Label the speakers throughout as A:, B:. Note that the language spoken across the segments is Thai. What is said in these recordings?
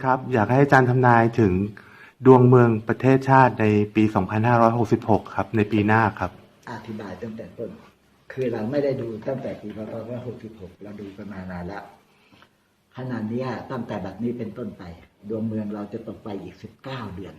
A: ครับอยากให้อาจารย์ทำนายถึงดวงเมืองประเทศชาติในปี 2566 ครับในปีหน้าครับ
B: อธิบายตั้งแต่ต้นคือเราไม่ได้ดูตั้งแต่ปี2566เราดูกันมานานแล้วขณะนี้ตั้งแต่แบบนี้เป็นต้นไปดวงเมืองเราจะตกไปอีก19 เดือน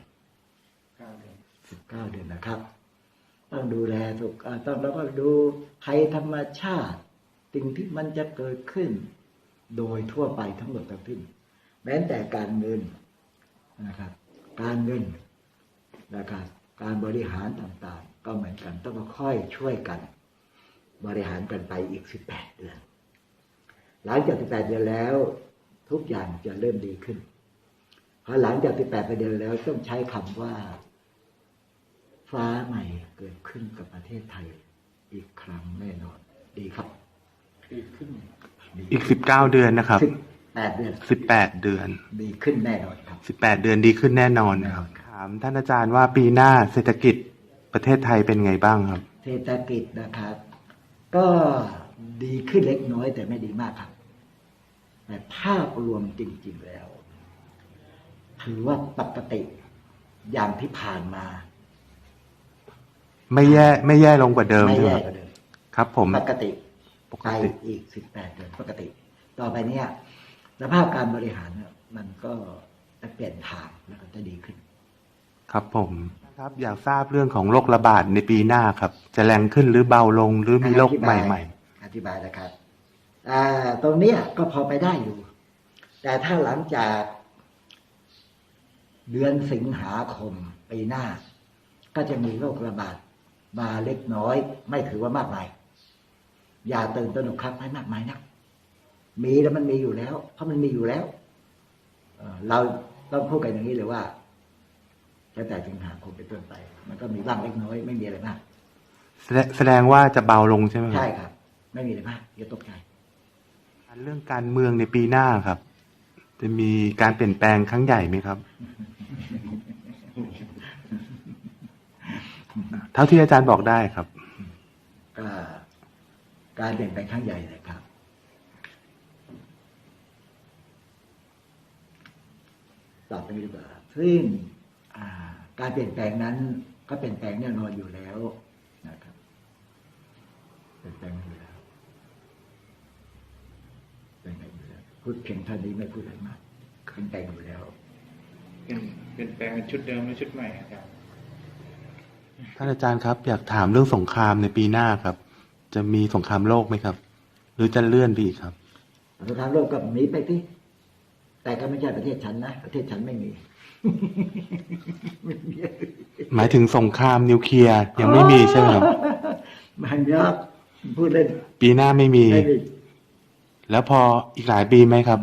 B: 19 เดือนนะครับต้องดูแลถูกต้องแล้วก็ดูภัยธรรมชาติสิ่งที่มันจะเกิดขึ้นโดยทั่วไปทั้งหมดทั้งสิ้นแม้แต่การเงินนะครับการเงินนะครับการบริหารต่างๆก็เหมือนกันต้องค่อยช่วยกันบริหารกันไปอีก18 เดือนหลังจาก18 เดือนแล้วทุกอย่างจะเริ่มดีขึ้นพอหลังจาก18 เดือนแล้วต้องใช้คำว่าฟ้าใหม่เกิดขึ้นกับประเทศไทยอีกครั้งแน่นอนดีครับดีขึ้น
A: อีก19 เดือนนะครับ
B: 18 เดือน
A: 18 เดือน
B: ดีขึ้นแน่นอนครับ
A: 18 เดือนดีขึ้นแน่นอนนะครับถามท่านอาจารย์ว่าปีหน้าเศรษฐกิจประเทศไทยเป็นไงบ้างครับ
B: เศรษฐกิจนะครับก็ดีขึ้นเล็กน้อยแต่ไม่ดีมากครับแต่ภาพรวมจริงๆแล้วถือว่าปกติอย่างที่ผ่านมา
A: ไม่แย่ลงกว่าเดิมใช่ไหมครับผม
B: ปกติไปอีก18 เดือนปกติต่อไปเนี่ยสภาพการบริหารมันก็จะเปลี่ยนทางแล้วก็จะดีขึ้น
A: ครับผมครับอยากทราบเรื่องของโรคระบาดในปีหน้าครับจะแรงขึ้นหรือเบาลงหรือมีโรคใหม่
B: ๆอธิบายนะครับตรงนี้ก็พอไปได้อยู่แต่ถ้าหลังจากเดือนสิงหาคมปีหน้าก็จะมีโรคระบาดมาเล็กน้อยไม่ถือว่ามากมายอย่าตื่นตระหนกครับให้มากมายนักมีแล้วมันมีอยู่แล้วเพราะมันมีอยู่แล้วเราต้องพูดกันอย่างนี้เลยว่าตั้งแต่สิงหาคมเป็นต้นไปมันก็มีบ้างเล็กน้อยไม่มีอะไรมาก
A: แสดงว่าจะเบาลงใช่ไหม
B: ใช่ครับไม่มีอะไรมากอย่าตกใจ
A: เรื่องการเมืองในปีหน้าครับจะมีการเปลี่ยนแปลงครั้งใหญ่ไหมครับเท่าที่อาจารย์บอกได้ครับ
B: การเปลี่ยนแปลงครั้งใหญ่นะครับตอบไปดีกว่าซึ่งการเปลี่ยนแปลงนั้นก็เปลี่ยนแปลงแน่นอนอยู่แล้วนะครับเปลี่ยนแปลงอยู่แล้วพูดเพียงเท่านี้ไม่พูดอะไรมากเปลี่ยนแปลงอยู่แล้ว
C: เปลี่ยนแปลงชุดเดิมหรือชุดใหม่ครับ
A: ท่านอาจารย์ครับอยากถามเรื่องสงครามในปีหน้าครับจะมีสงครามโลกไหมครับหรือจะเลื่อนไปอีกครับ
B: สงครามโลกก็มีไปที่แต่ก็ไม่ใช่ประเทศฉันนะประเทศฉันไม่มี
A: หมายถึงสงครามนิวเคลียร์ยังไม่มีใช่ไหมครับ
B: มันยากพูดเล่น
A: ปีหน้าไม่มีแล้วพออีกหลายปีไหมครับ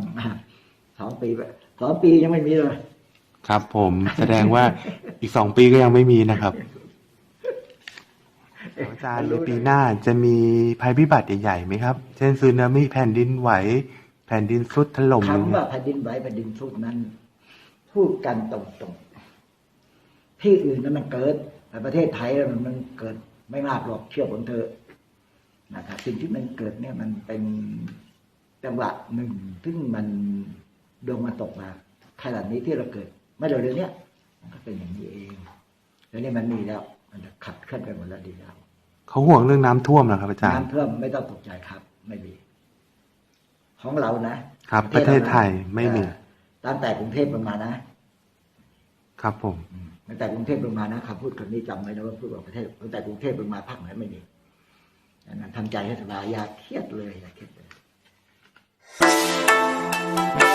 B: 2 ปียังไม่มีเลย
A: ครับผมแสดงว่าอีก2 ปีก็ยังไม่มีนะครับอาจารย์ในปีหน้าจะมีภัยพิบัติใหญ่ๆไหมครับเช่นสึนามิแผ่นดินไหวแผ่นดินทรุดถล่ม
B: คำว่าแผ่นดินไหวแผ่นดินทรุดนั้นพูดกันตรงๆที่อื่นนั้นมันเกิดแต่ประเทศไทยมันเกิดไม่มากหรอกเชื่อผมเถอะนะครับสิ่งที่มันเกิดเนี่ยมันเป็นจังหวะหนึ่งซึ่งมันดวงมันตกมาขนาดนี้ที่เราเกิดไม่เร็วๆนี้มันก็เป็นอย่างนี้เองแล้วนี่มันมีแล้วมันจะขับเคลื่อนไปหมดแล้วดีแล้ว
A: เขาห่วงเรื่องน้ำท่วมเหรอครับอาจารย์
B: น้ำท่วมไม่ต้องตกใจครับไม่มีของเรา
A: นะครับประเทศไทยไม่มี
B: ตั้งแต่กรุงเทพลงมา
A: นะครับผม
B: ตั้งแต่กรุงเทพลงมานะคำพูดคนนี้จำไว้นะว่าพูดว่าประเทศตั้งแต่กรุงเทพลงมาภาคไหนไม่มีทำใจให้สบายอย่าเครียดเลยอย่าเครียดเลย